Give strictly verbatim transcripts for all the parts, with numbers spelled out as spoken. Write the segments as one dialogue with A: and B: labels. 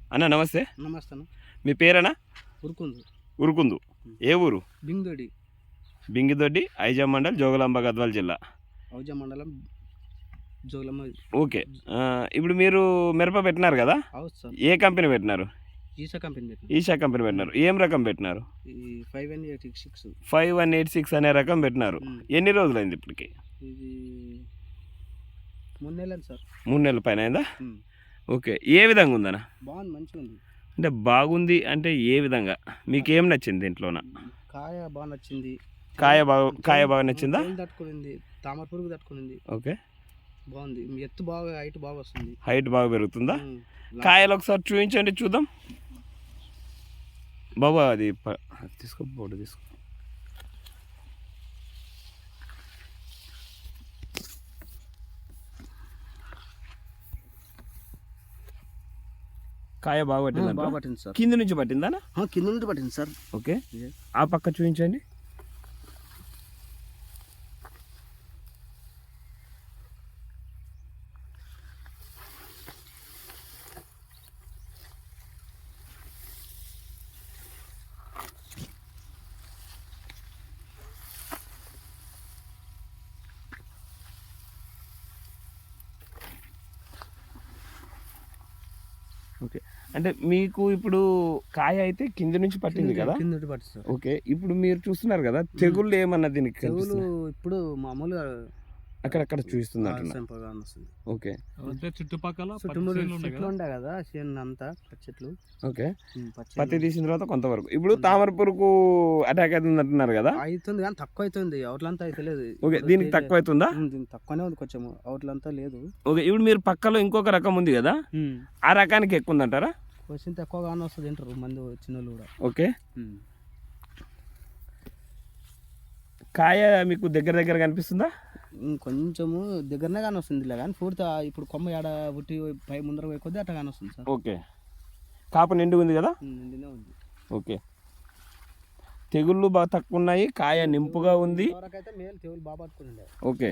A: అన్న నమస్తే.
B: నమస్తే అన్న.
A: మీ పేరేనా?
B: ఉరుకుందు.
A: ఉరుకుందు. ఏ ఊరు?
B: బింగిదొడ్డి.
A: బింగిదొడ్డి, ఐజా మండల్, జోగులాంబ, గద్వాల జిల్లా.
B: ఔజా మండలం, జోగులాంబ.
A: ఓకే. ఇప్పుడు మీరు మిరప పెట్టినారు కదా, ఏ కంపెనీ పెట్టినారు?
B: ఈషా కంపెనీ పెట్టినారు.
A: ఈషా కంపెనీ పెట్టినారు. ఏం రకం పెట్టినారు?
B: Five one eight six
A: five one eight six అనే రకం పెట్టినారు. ఎన్ని రోజులైంది ఇప్పటికి?
B: ఇది మూడు నెలలు సార్.
A: మూడు నెలల పైన అయిందా? ఓకే. ఏ విధంగా ఉందన్న?
B: బాగుంది, మంచిగా ఉంది.
A: అంటే బాగుంది అంటే ఏ విధంగా? మీకు ఏం నచ్చింది దీంట్లోన?
B: కాయ బాగా నచ్చింది.
A: కాయ బాగా కాయ బాగా నచ్చిందా?
B: తట్టుకునింది, తామర పురుగు తట్టుకునింది.
A: ఓకే,
B: బాగుంది. ఎత్తు బాగా, హైట్ బాగా వస్తుంది.
A: హైట్ బాగా పెరుగుతుందా? కాయలు ఒకసారి చూపించండి చూద్దాం బాబా. అది తీసుకో, బోర్డు తీసుకో. కాయ బాగా పట్టింది.
B: బాగా పట్టింది సార్.
A: కింద నుంచి పట్టిందా?
B: కింద నుంచి పట్టింది సార్.
A: ఓకే, ఆ పక్క చూపించండి. ఓకే, అంటే మీకు ఇప్పుడు కాయ అయితే కింద నుంచి పట్టింది కదా?
B: కింద నుంచి పట్టింది.
A: ఓకే, ఇప్పుడు మీరు చూస్తున్నారు కదా, తెగుళ్ళు ఏమన్నా దీనికి?
B: తెగులు ఇప్పుడు మామూలుగా
A: అక్కడక్కడ చూపిస్తుంది అంటున్నా. ఓకే,
B: చుట్టుపక్కల చెట్లు ఉండే కదా, అంతా చెట్లు.
A: ఓకే, పత్తి తీసిన తర్వాత కొంతవరకు ఇప్పుడు తామర పురుగు అటాక్ అవుతుంది అంటున్నారు కదా?
B: అవుతుంది కానీ తక్కువ అవుతుంది, అవుట్లంతా అయితే లేదు.
A: ఓకే, దీనికి తక్కువ అవుతుందా?
B: తక్కువనే ఉంది కొంచెం, అవుట్లంతా లేదు.
A: ఓకే, ఇప్పుడు మీరు పక్కలో ఇంకొక రకం ఉంది కదా, ఆ రకానికి ఎక్కువ ఉందంటారా?
B: కొంచెం తక్కువగానే వస్తుంది అంటారు మంది చిన్నోళ్ళు కూడా.
A: ఓకే, కాయ మీకు దగ్గర దగ్గర కనిపిస్తుందా?
B: కొంచెము దగ్గరనే కానీ వస్తుంది ఇలా, కానీ పూర్తి ఇప్పుడు కొమ్మ ఏడ పుట్టి పై ముందర పోయి కొద్ది అట్లా కానీ వస్తుంది సార్.
A: ఓకే, కాపు నిండు ఉంది కదా?
B: నిండునే ఉంది.
A: ఓకే, తెగుళ్ళు బాగా తక్కువ ఉన్నాయి, కాయ నింపుగా ఉంది.
B: అయితే మేలు తెగులు బాగా పట్టుకుని.
A: ఓకే,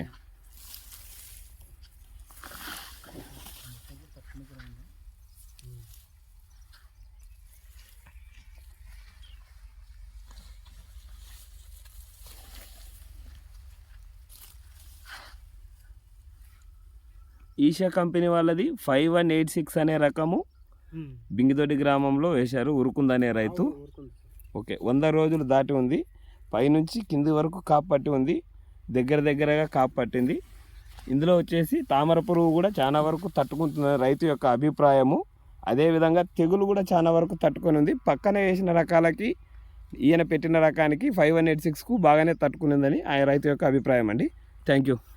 A: ఈషా కంపెనీ వాళ్ళది ఫైవ్ వన్ ఎయిట్ సిక్స్ అనే రకము బింగిదొడ్డి గ్రామంలో వేశారు, ఉరుకుందనే రైతు. ఓకే, వంద రోజులు దాటి ఉంది, పైనుంచి కింది వరకు కాపు పట్టి ఉంది, దగ్గర దగ్గరగా కాపు పట్టింది. ఇందులో వచ్చేసి తామర పురుగు కూడా చాలా వరకు తట్టుకుంటున్న రైతు యొక్క అభిప్రాయము. అదేవిధంగా తెగులు కూడా చాలా వరకు తట్టుకొని ఉంది. పక్కన వేసిన రకాలకి ఈయన పెట్టిన రకానికి ఫైవ్ వన్ ఎయిట్ సిక్స్కు బాగానే తట్టుకునిందని ఆయన రైతు యొక్క అభిప్రాయం అండి. Thank you.